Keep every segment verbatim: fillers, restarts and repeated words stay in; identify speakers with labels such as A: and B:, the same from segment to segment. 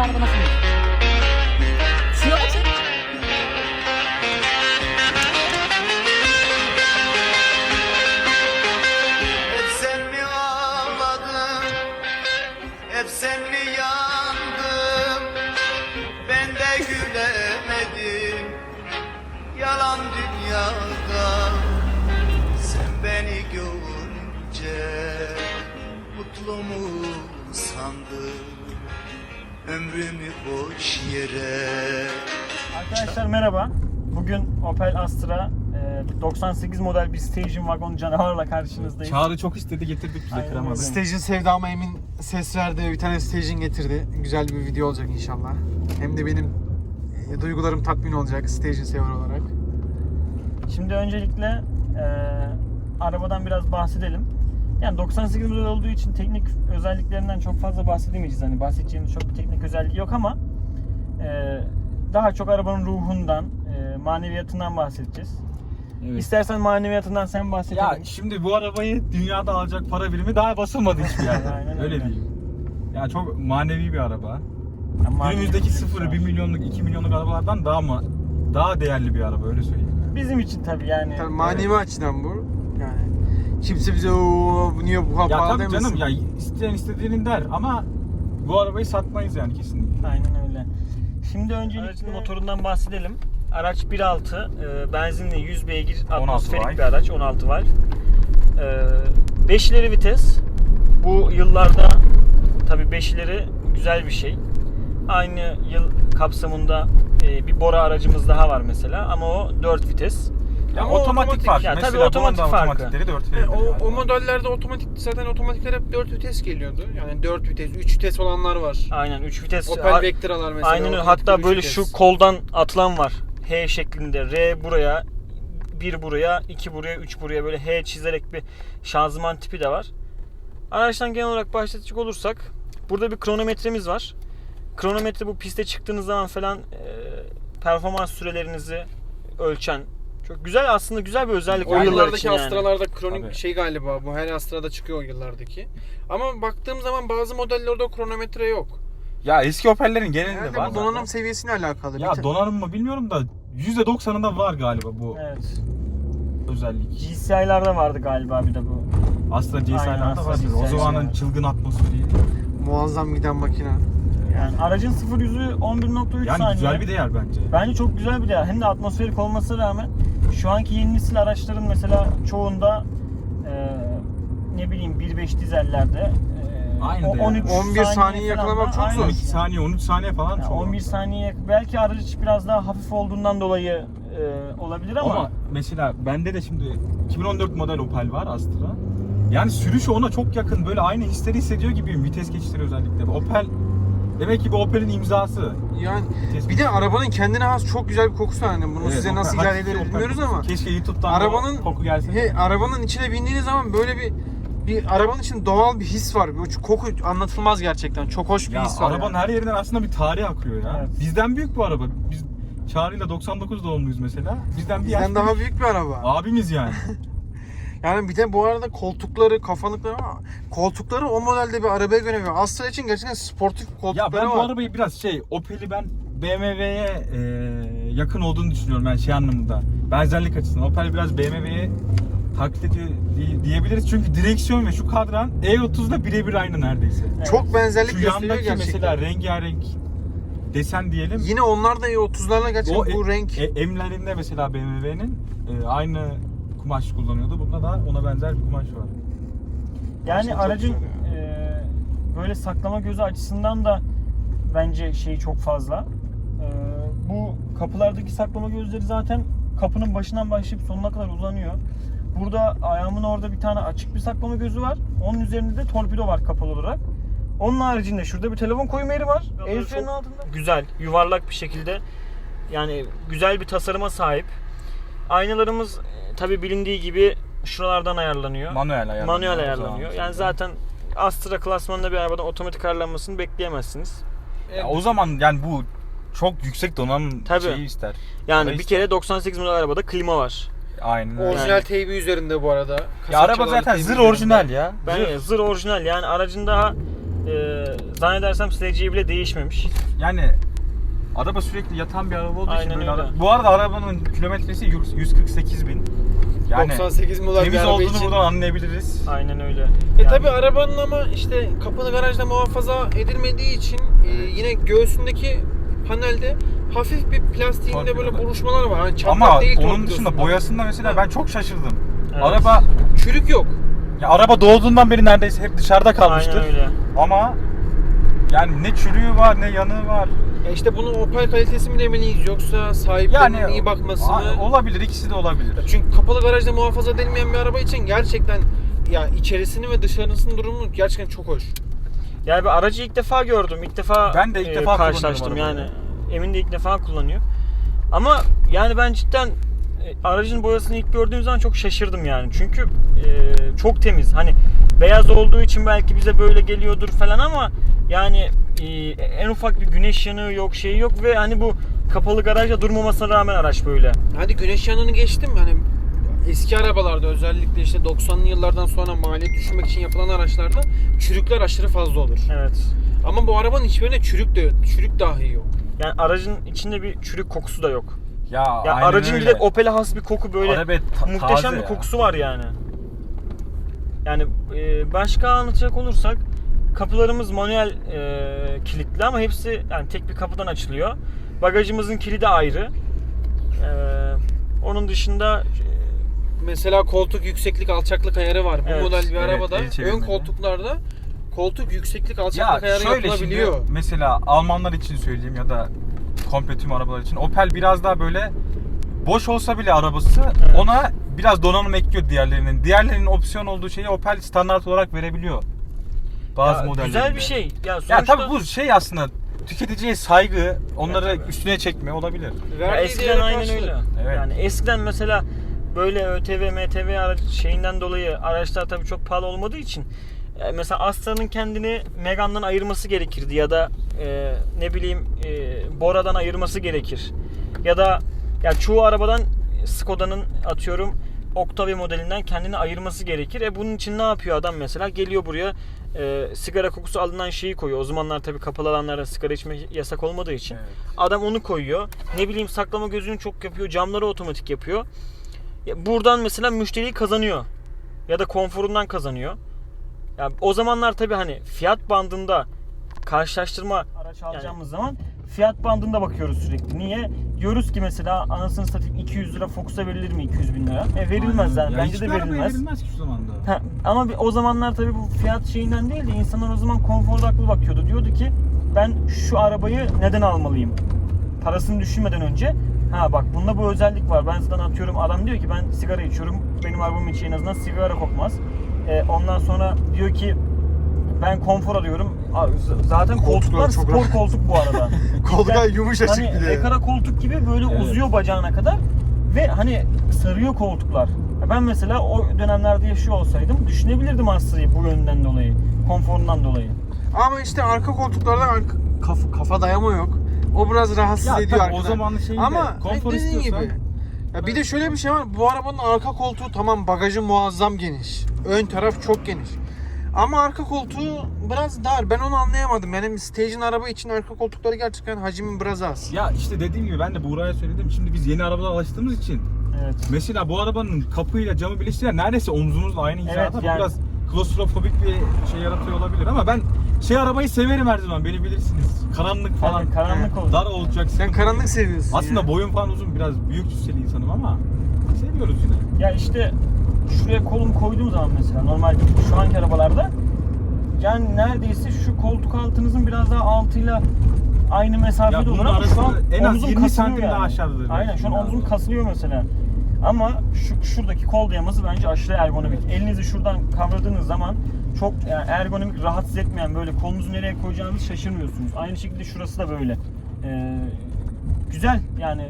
A: araba nasıl? Suya açın.
B: Hep sen mi ağladın, hep sen mi yandın, ben de gülemedim, yalan dünyada, sen beni görünce mutlu mu sandın, ömrümü boş yere.
C: Arkadaşlar merhaba. Bugün Opel Astra e, doksan sekiz model bir station wagon canavarla karşınızdayız.
D: Çağrı çok istedi, getirdik bize,
C: Aynen
D: kıramadı.
C: öyle.
E: Stage'in sevdama Emin ses verdi. Bir tane Stage'in getirdi. Güzel bir video olacak inşallah. Hem de benim e, duygularım tatmin olacak Stage'in sever olarak.
C: Şimdi öncelikle e, arabadan biraz bahsedelim. Yani doksan sekiz model olduğu için teknik özelliklerinden çok fazla bahsedemeyeceğiz. Hani bahsedeceğimiz çok bir teknik özelliği yok ama e, daha çok arabanın ruhundan, e, maneviyatından bahsedeceğiz.
D: Evet.
C: İstersen maneviyatından sen bahsedelim.
D: Ya şimdi bu arabayı dünyada alacak para birimi daha basılmadı hiçbir yerde.
C: Aynen
D: öyle
C: öyle.
D: diyeyim. Yani çok manevi bir araba.
C: Yani maneviyat
D: Günümüzdeki
C: bir
D: sıfır,
C: şey
D: bir
C: var.
D: milyonluk, iki milyonluk arabalardan daha mı daha değerli bir araba, öyle söyleyeyim.
C: Bizim için tabii yani.
E: Tabii manevi açıdan bu. Yani kimse bize o bu niye bu kadar
D: Ya
E: pahalı
D: tabii
E: demesin.
D: canım, ya isteyen istediğinin der ama bu arabayı satmayız yani kesinlikle.
C: Aynen öyle. Şimdi öncelikle motorundan bahsedelim. Araç bir nokta altı e, benzinli yüz beygir atmosferik
D: valve.
C: bir araç, on altı valve. E, beş ileri vites. Bu yıllarda tabii beş ileri güzel bir şey. Aynı yıl kapsamında e, bir Bora aracımız daha var mesela ama o dört vites.
D: Ya
E: Ama
D: otomatik,
E: otomatik.
D: fark.
C: Ya tabii
D: Mesela
C: otomatik
D: bunun da
C: farkı.
D: otomatikleri dört
E: Yani
D: veriyor.
E: o, o modellerde otomatik zaten otomatikler hep dört vites geliyordu. Yani dört vites, üç vites olanlar var.
C: Aynen üç vites.
E: Opel
C: Ha-
E: Vectra'lar mesela.
C: Aynen öyle.
E: otomatik
C: Hatta
E: üç
C: böyle
E: vites.
C: şu koldan atılan var. H şeklinde. R buraya, bir buraya, iki buraya, üç buraya böyle H çizerek bir şanzıman tipi de var. Araçtan genel olarak bahsedecek olursak burada bir kronometremiz var. Kronometre bu piste çıktığınız zaman falan e, performans sürelerinizi ölçen çok güzel, aslında güzel bir özellik
E: O
C: o yıllar
E: yıllardaki
C: için yani.
E: Astra'larda kronik
D: Tabii.
E: şey galiba, bu her Astra'da çıkıyor o yıllardaki. Ama baktığım zaman bazı modellerde o kronometre yok.
D: Ya eski Opel'lerin genelinde
E: Herhalde
D: var
E: bu donanım
D: zaten.
E: seviyesine alakalı.
D: Ya
E: Bir te-
D: donanım mı bilmiyorum da yüzde doksanında var galiba bu
C: Evet.
D: özellik.
C: G C I'larda vardı galiba bir de bu.
D: Astra G S
C: Aynen,
D: I'larda
C: Astra
D: var.
C: G S I
D: O zamanın
C: yani.
D: çılgın atmosferi.
E: muazzam giden makine.
C: Yani aracın sıfır yüzü on bir nokta üç
D: Yani
C: saniye.
D: güzel bir değer bence.
C: Bence çok güzel bir değer. Hem de atmosferik olmasına rağmen şu anki yeni nesil araçların mesela çoğunda e, ne bileyim bir nokta beş dizellerde e,
D: Aynı
C: o-
D: değer.
C: on üç
E: on bir saniye
C: falan
E: yakalamak
C: da
E: çok zor.
C: aynı.
D: on iki saniye, on üç saniye falan
C: Yani
D: çok.
C: on bir saniye belki araç biraz daha hafif olduğundan dolayı e, olabilir ama,
D: Ama mesela bende de şimdi iki bin on dört model Opel var, Astra. Yani sürüşü ona çok yakın, böyle aynı hisleri hissediyor gibiyim, vites geçişleri özellikle. Opel demek ki bu Opel'in imzası.
E: Yani
D: Vites
E: bir de arabanın kendine has çok güzel bir kokusu var. Yani bunu
D: Evet,
E: size
D: Opel-
E: nasıl izah
D: hakiki
E: eder
D: Opel
E: bilmiyoruz
D: kokusu.
E: ama
D: Keşke YouTube'dan
E: arabanın
D: o koku gelse.
E: he, arabanın içine bindiğiniz zaman böyle bir bir arabanın içinde doğal bir his var. Bu koku anlatılmaz gerçekten. Çok hoş bir
D: Ya
E: his var.
D: arabanın
E: yani.
D: her yerinden aslında bir tarih akıyor ya.
C: Evet.
D: Bizden büyük bu araba. Biz Çağrı'yla doksan dokuz doğumluyuz mesela. Bizden bir yaş
E: Bizden daha
D: büyük.
E: büyük bir araba.
D: Abimiz yani.
E: Yani bir de bu arada koltukları, kafalıkları ama koltukları o modelde bir arabaya göre ve Astra için gerçekten sportif koltukları
D: Ya ben bu
E: var.
D: arabayı biraz şey, Opel'i ben B M W'ye e, yakın olduğunu düşünüyorum yani şey anlamında. Benzerlik açısından. Opel biraz B M W'ye taklit ediyor diye- diyebiliriz. Çünkü direksiyon ve şu kadran E otuz'da birebir aynı neredeyse.
C: Evet.
E: Çok benzerlik
D: Şu
E: gösteriyor
D: yandaki
E: gerçekten.
D: mesela rengarenk desen diyelim.
E: Yine onlar da E otuzlarla gerçekten
D: O
E: bu
D: e,
E: renk.
D: e, emlerinde mesela B M W'nin e, aynı kumaş kullanıyordu. Bunda da ona benzer bir kumaş var.
C: yani
E: Gerçekten çok
C: aracın
E: güzel
C: e, böyle saklama gözü açısından da bence şeyi çok fazla. E, bu kapılardaki saklama gözleri zaten kapının başından başlayıp sonuna kadar uzanıyor. Burada ayağımın orada bir tane açık bir saklama gözü var. Onun üzerinde de torpido var kapalı olarak. Onun haricinde şurada bir telefon koyma yeri var. El freni altında. Güzel, yuvarlak bir şekilde. Yani güzel bir tasarıma sahip. Aynalarımız tabi bilindiği gibi şuralardan ayarlanıyor.
D: Manuel ayarlanıyor.
C: Manuel
D: o
C: ayarlanıyor.
D: zaman.
C: Yani zaten Astra klasmanında bir arabadan otomatik ayarlanmasını bekleyemezsiniz.
D: Ya o zaman yani bu çok yüksek donanım
C: Tabii.
D: şeyi ister.
C: Yani
D: Orayı
C: bir
D: ister.
C: kere doksan sekiz model arabada klima var.
D: Aynen öyle.
E: Orijinal
C: Yani-
E: teybi üzerinde bu arada.
D: Ya araba
E: Kasapçalarla
D: zaten
E: teybi
D: zır
E: üzerinde.
D: orijinal ya.
C: Ben
D: Zır.
C: zır orijinal, yani aracın daha e, zannedersem sileceği bile değişmemiş.
D: Yani araba sürekli yatan bir araba olduğu
C: Aynen
D: için böyle
C: öyle.
D: ara- Bu arada arabanın kilometresi yüz kırk sekiz bin. Yani
E: doksan sekiz model bir
D: temiz
E: araba
D: olduğunu
E: için.
D: buradan anlayabiliriz.
C: Aynen öyle.
E: E
C: Yani-
E: tabi arabanın ama işte kapını garajda muhafaza edilmediği için e, yine göğsündeki panelde hafif bir plastiğinde
D: Torpido
E: böyle
D: var.
E: buruşmalar var. Hani çatlak
D: Ama
E: değil
D: onun
E: torpidosunda.
D: dışında boyasında mesela
E: Ha.
D: ben çok şaşırdım.
C: Evet.
D: Araba
E: Çürük yok.
D: ya araba doğduğundan beri neredeyse hep dışarıda kalmıştır.
C: Aynen öyle.
D: Ama yani ne çürüğü var ne yanığı var.
E: Ya işte bunu Opel kalitesi mi demeliyiz yoksa sahiplerinin
D: Yani
E: iyi bakması
D: a-
E: mı?
D: olabilir, ikisi de olabilir.
E: Çünkü kapalı garajda muhafaza edilmeyen bir araba için gerçekten ya içerisini ve dışarısının durumu gerçekten çok hoş.
C: Yani bir aracı ilk defa gördüm. İlk defa
D: Ben de ilk
C: e,
D: defa
C: karşılaştım
D: kullanıyorum
C: yani.
D: arabayı.
C: Emin de ilk defa kullanıyor. Ama yani ben cidden e, aracın boyasını ilk gördüğüm zaman çok şaşırdım yani. Çünkü e, çok temiz. Hani beyaz olduğu için belki bize böyle geliyordur falan ama yani e, en ufak bir güneş yanığı yok, şey yok ve hani bu kapalı garajda durmamasına rağmen araç böyle.
E: Hadi güneş yanını geçtim hani eski arabalarda özellikle işte doksanlı yıllardan sonra maliyet düşürmek için yapılan araçlarda çürükler aşırı fazla olur.
C: Evet.
E: Ama bu arabanın hiçbirine çürük de çürük dahi yok.
C: Yani aracın içinde bir çürük kokusu da yok.
D: Ya,
C: Ya
D: aynen
C: aracın
D: öyle.
C: direkt Opel'e has bir koku böyle
D: Araba ta-
C: muhteşem
D: taze
C: bir
D: ya.
C: kokusu var yani. Yani e, başka anlatacak olursak kapılarımız manuel e, kilitli ama hepsi yani tek bir kapıdan açılıyor. Bagajımızın kilidi ayrı. E, onun dışında
E: Mesela koltuk yükseklik alçaklık ayarı var. Bu
C: Evet,
E: model bir
D: evet,
E: arabada
D: el
E: ön
D: çevirmeli.
E: koltuklarda koltuk yükseklik
D: Ya
E: alçaklık ayarı
D: şöyle
E: yapılabiliyor.
D: şimdi mesela Almanlar için söyleyeyim ya da komple tüm arabalar için Opel biraz daha böyle boş olsa bile arabası
C: Evet.
D: ona biraz donanım ekliyor diğerlerinin. Diğerlerinin opsiyon olduğu şeyi Opel standart olarak verebiliyor. Bazı
C: ya,
D: modellerinde.
C: güzel bir şey. Ya,
D: Ya
C: sonuçta,
D: tabii bu şey aslında tüketiciye saygı, onları
C: Evet, tabii.
D: üstüne çekme olabilir.
C: ya
E: Verdiği
C: eskiden
E: değere
C: aynen
E: karşılık.
C: öyle.
D: Evet.
C: Yani eskiden mesela böyle ÖTV, M T V araç şeyinden dolayı araçlar tabii çok pahalı olmadığı için e, mesela Astra'nın kendini Megane'dan ayırması gerekirdi ya da e, ne bileyim e, Bora'dan ayırması gerekir. Ya da ya çoğu arabadan Skoda'nın atıyorum Octavia modelinden kendini ayırması gerekir. E bunun için ne yapıyor adam mesela? Geliyor buraya e, sigara kokusu alınan şeyi koyuyor. O zamanlar tabii kapalı alanlarda sigara içme yasak olmadığı için.
D: Evet.
C: Adam onu koyuyor. Ne bileyim saklama gözünü çok yapıyor. Camları otomatik yapıyor. Ya buradan mesela müşteriyi kazanıyor. Ya da konforundan kazanıyor. Ya o zamanlar tabii hani fiyat bandında karşılaştırma araç alacağımız zaman fiyat bandında bakıyoruz sürekli. Niye? Diyoruz ki mesela anasını satayım iki yüz lira Focus'a verilir mi iki yüz bin lira? E verilmez yani.
D: Ya
C: Bence de
D: hiçbir arabaya
C: verilmez.
D: verilmez ki şu zamanda.
C: Ha, ama bir, o zamanlar tabii bu fiyat şeyinden değil de insanlar o zaman konfor odaklı bakıyordu. Diyordu ki ben şu arabayı neden almalıyım? Parasını düşünmeden önce ha bak bunda bu özellik var. Ben zaten atıyorum adam diyor ki ben sigara içiyorum. Benim arabamın içi en azından sigara kokmaz. Ee, ondan sonra diyor ki ben konfor arıyorum. Aa, z- Zaten
E: Koltuklar
C: koltuklar
E: çok
C: spor
E: rahat.
C: koltuk bu arada.
E: Koltuklar
C: Yani
E: yumuşacık
C: hani
E: bir de.
C: ekara koltuk gibi böyle
D: Evet.
C: uzuyor bacağına kadar ve hani sarıyor koltuklar. Ya ben mesela o dönemlerde yaşıyor olsaydım düşünebilirdim Astra'yı bu yönden dolayı, konforundan dolayı.
E: Ama işte arka koltuklarda arka, kafa, kafa dayama yok. O biraz rahatsız
D: Ya
E: ediyor
D: tabii o
E: arkadan.
D: zamanın şeyinde
E: Ama
D: konfor
E: dediğin
D: istiyorsan
E: gibi. Ya bir de şöyle bir şey var. Bu arabanın arka koltuğu tamam bagajı muazzam geniş. Ön taraf çok geniş. Ama arka koltuğu biraz dar. Ben onu anlayamadım. Benim Stage'in araba için arka koltukları gerçekten hacmi biraz az.
D: ya işte dediğim gibi ben de Buğra'ya söyledim. Şimdi biz yeni arabalara alıştığımız için
C: Evet.
D: mesela bu arabanın kapıyla camı birleştiren neredeyse omzumuzla aynı hizada.
C: Evet,
D: Bu
C: yani-
D: biraz klostrofobik bir şey yaratıyor olabilir ama ben şey arabayı severim her zaman. Beni bilirsiniz. Karanlık falan.
C: Yani karanlık olur.
D: Dar olacak.
E: Sen karanlık seviyorsun.
D: Aslında
E: ya.
D: boyum falan uzun, biraz büyük cüsseli insanım ama seviyoruz yine.
C: Ya işte şuraya kolumu koyduğum zaman mesela normalde şu anki arabalarda yani neredeyse şu koltuk altınızın biraz daha altıyla aynı mesafede
D: Ya
C: olur
D: bunun
C: ama şu an
D: arası en az
C: omzum
D: yirmi
C: kasılıyor
D: santim daha aşağıdadır
C: Aynen
D: belki
C: şu an
D: biraz.
C: omzum kasılıyor mesela. Ama şu şuradaki kol dayaması bence aşırı ergonomik. Elinizi şuradan kavradığınız zaman çok yani ergonomik, rahatsız etmeyen böyle kolunuzu nereye koyacağınızı şaşırmıyorsunuz. Aynı şekilde şurası da böyle. Ee, güzel yani.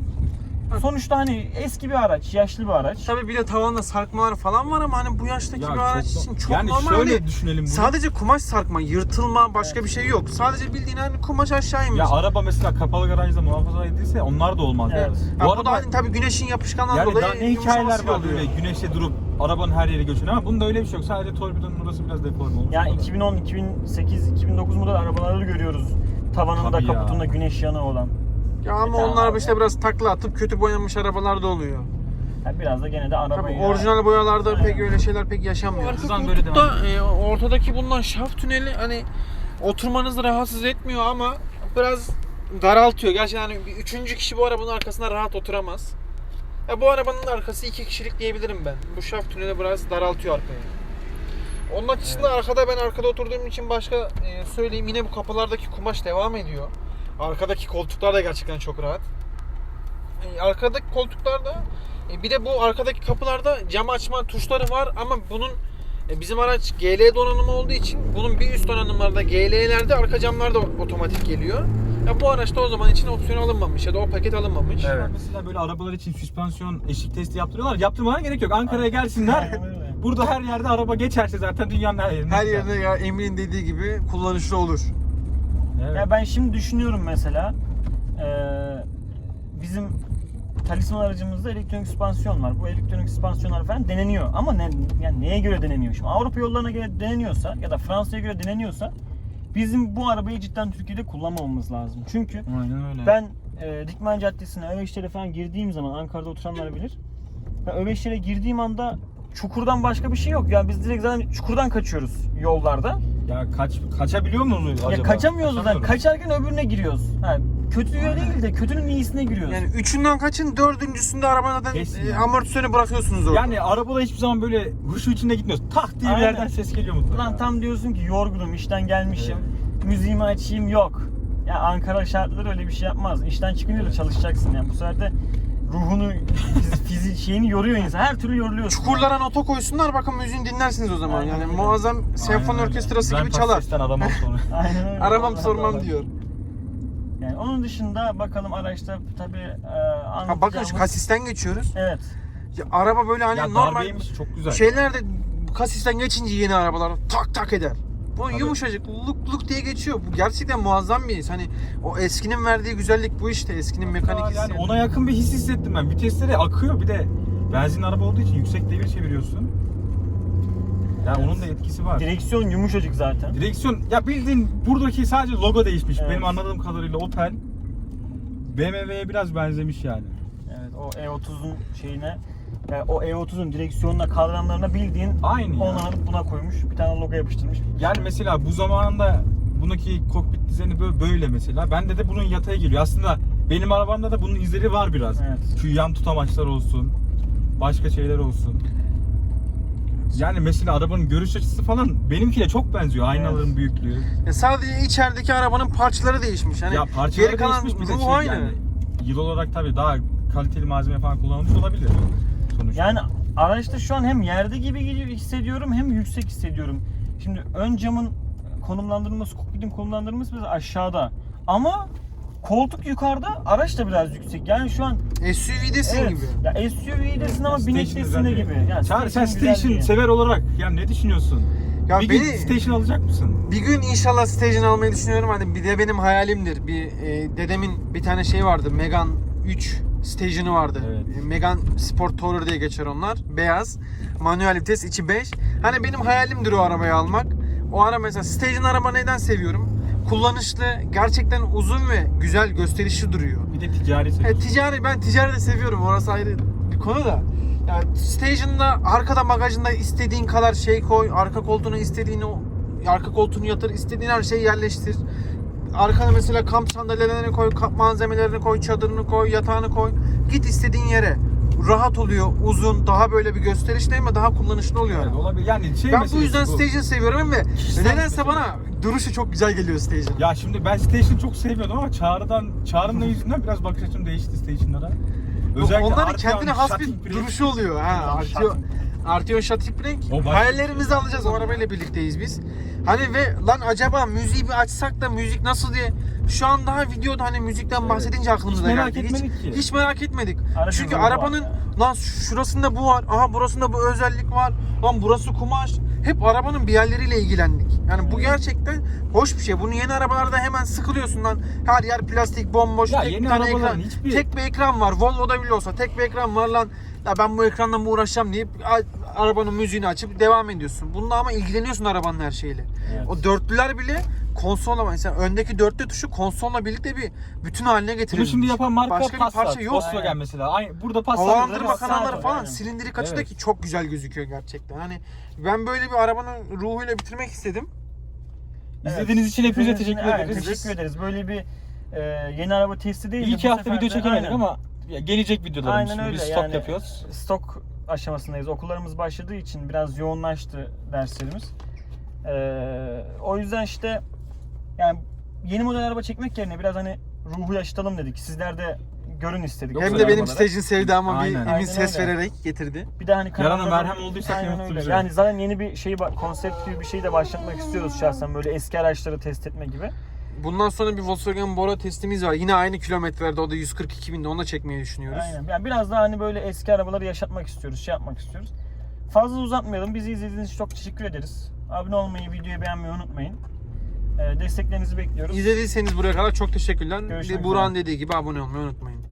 C: Sonuçta hani eski bir araç, yaşlı bir araç.
E: Tabii bir de tavanda sarkmalar falan var ama hani bu yaştaki
D: Ya
E: bir araç
D: çok-
E: için çok
D: yani
E: normal.
D: şöyle
E: Hani
D: düşünelim bunu.
E: sadece kumaş sarkma, yırtılma başka bir şey yok. Sadece bildiğin hani kumaş aşağı inmiş.
D: Ya araba mesela kapalı garajda muhafaza edilse onlar da olmaz.
C: Evet.
D: yani.
E: Ha,
D: Bu
E: bu da
D: araba
E: hani tabii güneşin yapışkanından
D: yani
E: dolayı
D: daha ne hikayeler
E: yumuşamasıyla
D: var böyle güneşte durup arabanın her yeri göçüyor ama bunda öyle bir şey yok. Sadece torpidonun burası biraz deforme olmuş.
C: Ya
D: O kadar.
C: iki bin on, iki bin sekiz, iki bin dokuz model arabaları görüyoruz. Tavanında,
D: Tabii ya.
C: kaputunda güneş yanığı olan.
E: Ya ama
C: E, tamam
E: onlar
C: abi.
E: işte biraz takla atıp kötü boyanmış arabalar da oluyor.
C: Yani biraz da gene de arabayı...
E: Tabii orijinal boyalarda
C: Aynen.
E: pek öyle şeyler pek yaşanmıyor. Arka
D: Hızlan böyle
E: koltukta e, ortadaki bulunan şaft tüneli hani oturmanızı rahatsız etmiyor ama biraz daraltıyor. Gerçekten hani bir üçüncü kişi bu arabanın arkasına rahat oturamaz. Ya bu arabanın arkası iki kişilik diyebilirim ben. Bu şaft tüneli biraz daraltıyor arkayı. Onun açısından arkada ben arkada oturduğum için başka e, söyleyeyim yine bu kapılardaki kumaş devam ediyor. Arkadaki koltuklar da gerçekten çok rahat. E, arkadaki koltuklarda e, bir de bu arkadaki kapılarda cam açma tuşları var ama bunun e, bizim araç G L donanımı olduğu için bunun bir üst donanımlarda G L'lerde arka camlar da otomatik geliyor. Ya bu araçta o zaman için opsiyon alınmamış ya da o paket alınmamış.
D: Evet. Mesela böyle arabalar için süspansiyon eşik testi yaptırıyorlar. Yaptırmana gerek yok. Ankara'ya gelsinler.
C: Aynen öyle.
D: Burada her yerde araba geçerse zaten dünyanın her yerinde.
E: Her yerde ya Emin'in dediği gibi kullanışlı olur.
D: Evet.
C: Ya ben şimdi düşünüyorum mesela eee, bizim Talisman aracımızda elektronik süspansiyon var. Bu elektronik süspansiyonlar falan deneniyor. Ama ne, yani neye göre deneniyor? Şimdi Avrupa yollarına göre deneniyorsa ya da Fransa'ya göre deneniyorsa bizim bu arabayı cidden Türkiye'de kullanmamamız lazım. Çünkü
D: Aynen öyle.
C: ben e, Dikmen Caddesi'ne, Öveçler'e falan girdiğim zaman, Ankara'da oturanlar bilir. Ben Öveçler'e girdiğim anda çukurdan başka bir şey yok. Yani biz direkt zaten çukurdan kaçıyoruz yollarda.
D: Ya kaç kaçabiliyor muyuz acaba?
C: Ya kaçamıyoruz zaten.
D: Kaçamıyoruz.
C: Kaçarken öbürüne giriyoruz. Ha, kötüye değil de kötünün iyisine giriyoruz.
E: Yani üçünden kaçın, dördüncüsünde arabanın zaten
D: Kesin
E: e,
D: yani.
E: amortisörü bırakıyorsunuz orada.
D: Yani arabada hiçbir zaman böyle huşu içinde gitmiyoruz. Tak diye bir
C: Aynen.
D: yerden ses geliyor mutlaka.
C: Lan tam diyorsun ki yorgunum, işten gelmişim. Müziğimi açayım, yok. Ya Ankara şartları öyle bir şey yapmaz. İşten çıkınca da çalışacaksın yani. Bu sefer de ruhunu, fizi, fizi şeyini yoruyor insan. Her türlü yoruluyorsun.
E: Çukurlara nota koysunlar, bakın müziğini dinlersiniz o zaman.
C: Aynen
E: yani
C: öyle.
E: muazzam
D: Aynen
E: senfoni
D: öyle.
E: orkestrası
D: Ben
E: gibi çalar.
D: Pakses'ten aramam sonra.
C: Aynen öyle.
E: Aramam
C: Vallahi
E: sormam
C: vallahi.
E: diyor.
C: Yani onun dışında bakalım araçta tabii e,
E: Ha bakın şu kasisten geçiyoruz.
C: Evet.
E: Ya, araba böyle hani
D: Ya
E: normal
D: darbeymiş, çok güzel.
E: şeylerde kasisten geçince yeni arabalar tak tak eder. Bu
D: Tabii.
E: yumuşacık luk luk diye geçiyor. Bu gerçekten muazzam bir his. Hani o eskinin verdiği güzellik bu işte. Eskinin mekanik hissi.
D: Yani ona yakın bir his hissettim ben. Vitesleri akıyor, bir de benzin araba olduğu için yüksek devir çeviriyorsun. Yani onun da etkisi var.
C: Direksiyon yumuşacık zaten.
D: Direksiyon ya bildiğin buradaki sadece logo değişmiş.
C: Evet.
D: Benim anladığım kadarıyla Opel B M W'ye biraz benzemiş yani.
C: Evet, o E otuzun şeyine, yani o E otuzun direksiyonuna, kadranlarına bildiğin
D: Aynı ya.
C: onu alıp buna koymuş. Bir tane logo yapıştırmış.
D: Yani mesela bu zamanında bundaki kokpit düzeni böyle, böyle mesela. Bende de bunun yataya geliyor. Aslında benim arabamda da bunun izleri var biraz.
C: Evet.
D: Şu yan tutamaçlar olsun. Başka şeyler olsun. Yani mesela arabanın görüş açısı falan benimkine çok benziyor. Aynaların
C: Evet.
D: büyüklüğü.
E: Ya sadece içerideki arabanın parçaları değişmiş. Hani
D: ya parçaları
E: geri kalan
D: değişmiş, bir de
E: ruh
D: şey
E: aynı.
D: yani yıl olarak tabii daha kaliteli malzeme falan kullanılmış olabilir sonuçta.
C: Yani araçta şu an hem yerde gibi gidiyor- hissediyorum hem yüksek hissediyorum. Şimdi ön camın konumlandırılması, kokpitin konumlandırılması biraz aşağıda. Ama koltuk yukarıda, araç da biraz yüksek. Yani şu an
E: S U V'desin
C: evet,
E: gibi.
C: ya S U V'desin ama
D: Station
C: binektesin
D: güzel
C: de
D: değil.
C: gibi. Yani
D: Çağrı, sen
C: güzel
D: station
C: değil.
D: sever olarak ya ne düşünüyorsun?
E: Ya
D: bir
E: beni
D: gün station alacak mısın?
E: bir gün inşallah station almayı düşünüyorum. Hani bir de benim hayalimdir. Bir e, dedemin bir tane şey vardı. Megane üç station'ı vardı.
D: Evet.
E: E, Megane Sport Tourer diye geçer onlar. Beyaz. Manuel vites, içi beş. Hani benim hayalimdir o arabayı almak. O ara mesela station araba neden seviyorum? Kullanışlı, gerçekten uzun ve güzel, gösterişli duruyor.
D: Bir de ticari
E: E,
D: seviyorsun.
E: ticari, ben ticari de seviyorum. Orası ayrı bir konu da. Yani station'da arkada bagajında istediğin kadar şey koy. Arka koltuğuna istediğini arka koltuğunu yatır. istediğin her şeyi yerleştir. Arkana mesela kamp sandalyelerini koy, kamp malzemelerini koy, çadırını koy, yatağını koy. Git istediğin yere. Rahat oluyor, uzun, daha böyle bir gösterişli ama daha kullanışlı oluyor.
D: Evet, olabilir. Yani şey
E: Ben bu
D: meselesi
E: yüzden Station seviyorum ve
D: Kişisel
E: nedense
D: mesele.
E: bana duruşu çok güzel geliyor Station.
D: Ya şimdi ben Station çok sevmiyordum ama Çağrı'dan, Çağrı'nın yüzünden biraz bakış açım değişti Station'lara.
E: Onların
D: Arteon,
E: kendine has
D: Shutting
E: bir
D: brake.
E: duruşu oluyor. Ha, Arteon, Arteon Shutting Brake.
D: O başka
E: Hayallerimizi
D: bir şey.
E: alacağız. O arabayla birlikteyiz biz. Hani ve lan acaba müziği bir açsak da müzik nasıl diye şu an daha videoda hani müzikten
D: Evet.
E: bahsedince aklımıza
D: Hiç merak
E: geldi.
D: etmedik
E: hiç,
D: ki.
E: hiç merak etmedik.
C: Aracın
E: Çünkü
C: ruhu var
E: arabanın
C: ya.
E: lan şurasında bu var. Aha burasında bu özellik var. Lan burası kumaş. Hep arabanın bir yerleriyle ilgilendik. Yani bu gerçekten hoş bir şey. Bunu yeni arabalarda hemen sıkılıyorsun lan. Her yer plastik, bomboş,
D: Ya
E: tek
D: yeni
E: bir tane
D: arabaların
E: ekran.
D: hiçbir-
E: Tek bir ekran var. Volvo'da bile olsa tek bir ekran var lan. Ya ben bu ekranla mı uğraşacağım deyip arabanın müziğini açıp devam ediyorsun. Bununla ama ilgileniyorsun arabanın her şeyiyle.
C: Evet.
E: O dörtlüler bile konsolla, mesela öndeki dörtlü tuşu konsolla birlikte bir bütün haline
D: Bunu
E: getirilmiş.
D: şimdi yapan marka
E: Başka bir
D: Passat,
E: parça yok.
D: Volkswagen
C: Aynen.
D: mesela. Aynı, burada Passat.
E: Havalandırma
C: Passat
E: kanalları
C: var,
E: falan
C: aynen.
E: silindirik açıda
D: Evet.
E: ki çok güzel gözüküyor gerçekten. Hani ben böyle bir arabanın ruhuyla bitirmek istedim.
D: İzlediğiniz için hepinize
C: İzlediğiniz için-
D: teşekkür
C: aynen,
D: ederiz.
C: Teşekkür ederiz. Böyle bir e, yeni araba testi değil.
D: İyi ki hafta video çekemedik ama ya, gelecek videolarımız
C: Aynen
D: şimdi.
C: öyle.
D: Biz stok
C: yani,
D: yapıyoruz.
C: Stok aşamasındayız. Okullarımız başladığı için biraz yoğunlaştı derslerimiz. Ee, o yüzden işte yani yeni model araba çekmek yerine biraz hani ruhu yaşatalım dedik. Sizler de görün istedik.
D: Yok,
E: Hem
C: güzel
E: de benim
C: arabaları.
E: stajın sevdamı bir
D: Aynen.
E: emin
C: Aynen
E: ses
C: öyle.
E: vererek getirdi.
C: Bir de hani
D: Yarana
C: kanalda
D: merhem olduysak
C: Aynen
D: ne
C: öyle.
D: mutlu
C: Yani zaten yeni bir şey konsept gibi bir şey de başlatmak istiyoruz şahsen, böyle eski araçları test etme gibi.
E: Bundan sonra bir Volkswagen Bora testimiz var. Yine aynı kilometrelerde, o da yüz kırk iki binde, onu da çekmeyi düşünüyoruz.
C: Aynen. Yani biraz daha hani böyle eski arabaları yaşatmak istiyoruz, şey yapmak istiyoruz. Fazla uzatmayalım. Bizi izlediğiniz için çok teşekkür ederiz. Abone olmayı, videoyu beğenmeyi unutmayın. Ee, desteklerinizi bekliyoruz.
E: İzlediyseniz buraya kadar çok teşekkürler.
C: Görüşmek
E: Burak'ın
C: üzere.
E: dediği gibi abone olmayı unutmayın.